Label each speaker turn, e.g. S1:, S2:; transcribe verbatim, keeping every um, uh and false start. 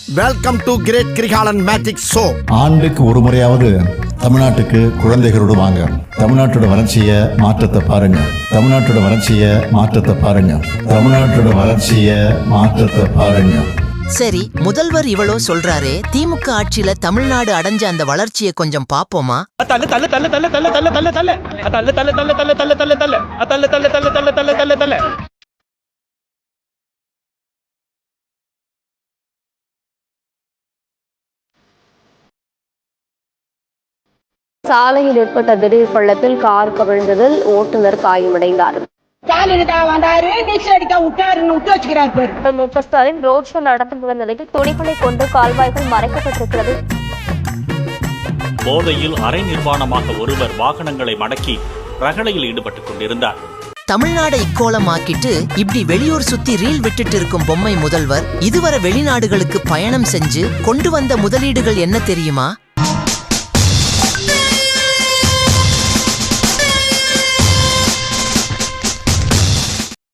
S1: Welcome to great Kirikalan magic show.
S2: ஆண்டுக்கு ஒரு முறையாவது தமிழ்நாட்டுக்கு குழந்தைகளோடு வாங்க. தமிழ்நாட்டோட வளர்ச்சியை மாற்றத்தை பாருங்க. தமிழ்நாட்டோட வளர்ச்சியை மாற்றத்தை பாருங்க. தமிழ்நாட்டோட வளர்ச்சியை மாற்றத்தை பாருங்க.
S3: சரி, முதல்வர் இவ்வளோ சொல்றாரே, திமுக ஆட்சியில தமிழ்நாடு அடைஞ்ச அந்த வளர்ச்சியை கொஞ்சம் பாப்போமா?
S4: சாலையில் ஏற்பட்ட திடீர் பள்ளத்தில் கார் கவிழ்ந்ததில் ஓட்டுநர் காயமடைந்தார். முக ஸ்டாலின் ரோட் ஷோ நடந்து வந்த நிலையில் துணிகளை கொண்டு கால்வாய்கள் மறைக்கப்பட்டிருக்கிறது.
S5: போதையில் அரை நிர்வாணமாக ஒருவர் வாகனங்களை மடக்கி ரகளையில் ஈடுபட்டுக் கொண்டிருந்தார்.
S3: தமிழ்நாடை இக்கோலமாக்கிட்டு இப்படி வெளியூர் சுத்தி ரீல் விட்டுட்டு இருக்கும் பொம்மை முதல்வர் இதுவரை வெளிநாடுகளுக்கு பயணம் செஞ்சு கொண்டு வந்த முதலீடுகள் என்ன தெரியுமா?